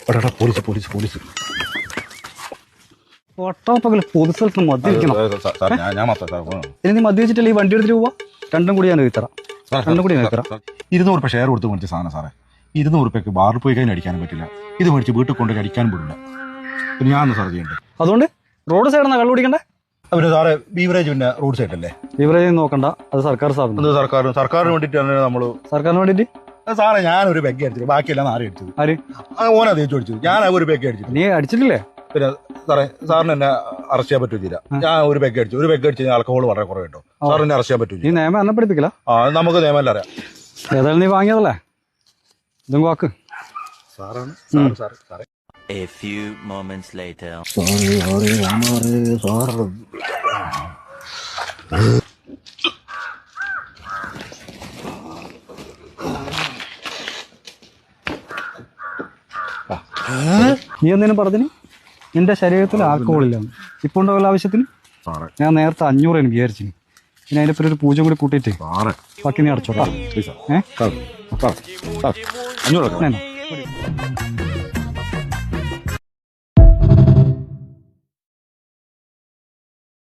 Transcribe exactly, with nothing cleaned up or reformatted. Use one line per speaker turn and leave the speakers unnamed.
Police police police
ഒട്ടാപ്പകല് പൊതു സ്ഥലത്ത് മദ്യപിക്കണം.
ഞാൻ മാത്രം
ഇനി നീ മദ്യപിച്ചിട്ടല്ലേ ഈ വണ്ടി എടുത്തിട്ട് പോവാ? രണ്ടും കൂടി ഞാൻ എഴുതറാം. രണ്ടും കൂടി ഞാൻ എഴുതറാം.
ഇരുന്നൂറ് രൂപ ഷെയർ കൊടുത്ത് മേടിച്ച സാധനം സാറേ. ഇരുന്നൂറ് രൂപയ്ക്ക് ബാറിൽ പോയി കഴിഞ്ഞാൽ അടിക്കാനും പറ്റില്ല. ഇത് മേടിച്ച് വീട്ടിൽ കൊണ്ട് അടിക്കാനും പറ്റില്ല. പിന്നെ ഞാൻ സാർ ചെയ്യണ്ടേ?
അതുകൊണ്ട് റോഡ് സൈഡിൽ നിന്നാ കള്ളു കുടിക്കണ്ടേ?
പിന്നെ സാറേ ബീവറേജ് പിന്നെ റോഡ് സൈഡ് അല്ലേ?
ബീവറേജ് നോക്കണ്ട, അത് സർക്കാർ സ്ഥാപനം.
സർക്കാർ സർക്കാരിന് വേണ്ടിയിട്ടാണ് നമ്മള്.
സർക്കാരിന് വേണ്ടിട്ട്
സാറേ ഞാനൊരു പെഗ് അടിച്ചത്, ബാക്കിയെല്ലാം ആരും അടിച്ചത്.
ആര്?
ഓനാ തേച്ചു അടിച്ചത്. ഞാൻ ഒരു പെഗ് അടിച്ചത്.
നീ അടിച്ചിട്ടില്ലേ?
പിന്നെ സാറേ സാറിന് എന്നെ അറസ്റ്റ് ചെയ്യാൻ പറ്റൂല. ഞാൻ ഒരു പെഗ് അടിച്ചു. ഒരു പെഗ് അടിച്ച് ആൽക്കഹോൾ വളരെ കുറവ് കേട്ടോ. സാറിന് എന്നെ അറസ്റ്റ് ചെയ്യാൻ പറ്റൂല.
നീ നിയമം എന്നെ പഠിപ്പിക്കില്ല?
ആ നമുക്ക് നിയമമല്ല അറിയാം.
ഏതായാലും നീ വാങ്ങിയതല്ലേ, ഇതും വാക്ക്.
സാറാണ് സാറ് സാറ് സാറേ.
A few moments later.
നീ എന്തിനും പറഞ്ഞു നിന്റെ ശരീരത്തിൽ ആൽക്കഹോളില്ല. ഇപ്പൊ ഉണ്ടോ ആവശ്യത്തിന്? ഞാൻ നേരത്തെ അഞ്ഞൂറ് എനിക്ക് വിചാരിച്ചു. പിന്നെ അതിന്റെ പേര് ഒരു പൂജ കൂടി കൂട്ടിയിട്ട് ബാക്കി നീ അടച്ചോട്ടാ. ഏഹ്
അഞ്ഞൂറ്